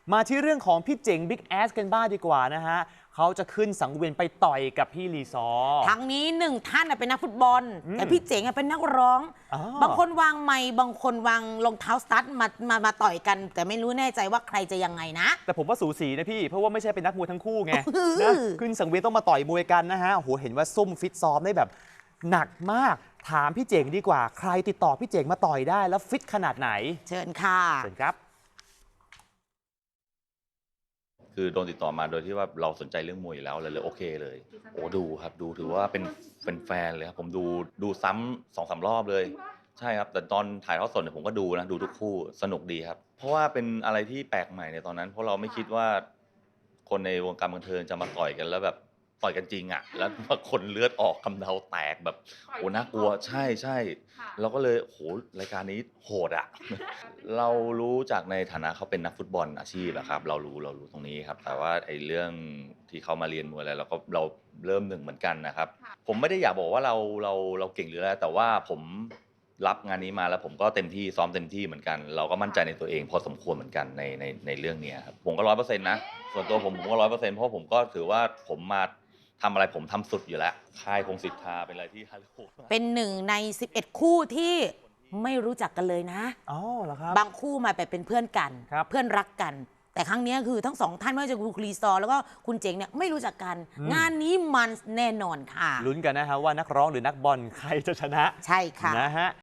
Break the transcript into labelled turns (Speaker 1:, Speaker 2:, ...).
Speaker 1: มาที่เรื่องของพี่เจ๋งบิ๊กแอสกันบ้างดีกว่านะฮะเขาจะขึ้นสังเวียนไปต่อยกับพี่ลีซอร์
Speaker 2: ทั้งนี้1 ท่านเป็นนักฟุตบอลแต่พี่เจ๋งเป็นนักร้องบางคนวางไมค์บางคนวางรองเท้าสตั๊ดมาต่อยกันแต่ไม่รู้แน่ใจว่าใครจะยังไงนะ
Speaker 1: แต่ผมว่าสูสีนะพี่เพราะว่าไม่ใช่เป็นนักมวยทั้งคู่ไงนะขึ้นสังเวียนต้องมาต่อยมวยกันนะฮะโหเห็นว่าซุ่มฟิตซ้อมได้แบบหนักมากถามพี่เจ๋งดีกว่าใครติดต่อพี่เจ๋งมาต่อยได้แล้วฟิตขนาดไหน
Speaker 2: เชิญค่ะ
Speaker 1: เชิญครับ
Speaker 3: คือโดนติดต่อมาโดยที่ว่าเราสนใจเรื่องมวยอยู่แล้วเลยโอเคเลยโอ้ดูครับดูถือว่าเป็นแฟนเลยครับผมดูซ้ำ2-3 รอบเลยใช่ครับแต่ตอนถ่ายทอดสดเนี่ยผมก็ดูนะดูทุกคู่สนุกดีครับเพราะว่าเป็นอะไรที่แปลกใหม่ในตอนนั้นเพราะเราไม่คิดว่าคนในวงการบันเทิงจะมาต่อยกันแล้วแบบต่อยกันจริงอ่ะแล้วคนเลือดออกกำเดาแตกแบบโอ้น่ากลัวใช่เราก็เลยโหรายการนี้โหดอ่ะเรารู้จากในฐานะเขาเป็นนักฟุตบอลอาชีพอะครับเรารู้ตรงนี้ครับแต่ว่าไอ้เรื่องที่เขามาเรียนมวยอะไรเราเริ่มหนึ่งเหมือนกันนะครับผมไม่ได้อยากบอกว่าเราเก่งหรืออะไรแต่ว่าผมรับงานนี้มาแล้วผมก็เต็มที่ซ้อมเต็มที่เหมือนกันเราก็มั่นใจในตัวเองพอสมควรเหมือนกันในเรื่องนี้ครับผมก็100%นะส่วนตัวผมก็100%เพราะผมก็ถือว่าผมมาทำอะไรผมทำสุดอยู่แล้วค่ายคงสิทธาเป็นอะไรที่
Speaker 2: เป็น1 ใน 11 คู่ที่ไม่รู้จักกันเลยนะ
Speaker 1: อ๋อเหรอครับ
Speaker 2: บางคู่มาเป็นเพื่อนกันเพื่อนรักกันแต่ครั้งนี้คือทั้ง2 ท่านไม่ว่าจะคุณลีซอร์แล้วก็คุณเจ๋งเนี่ยไม่รู้จักกันงานนี้มันแน่นอนค่ะ
Speaker 1: ลุ้นกันนะฮะว่านักร้องหรือนักบอลใครจะชนะ
Speaker 2: ใช่ค่ะ
Speaker 1: นะฮะ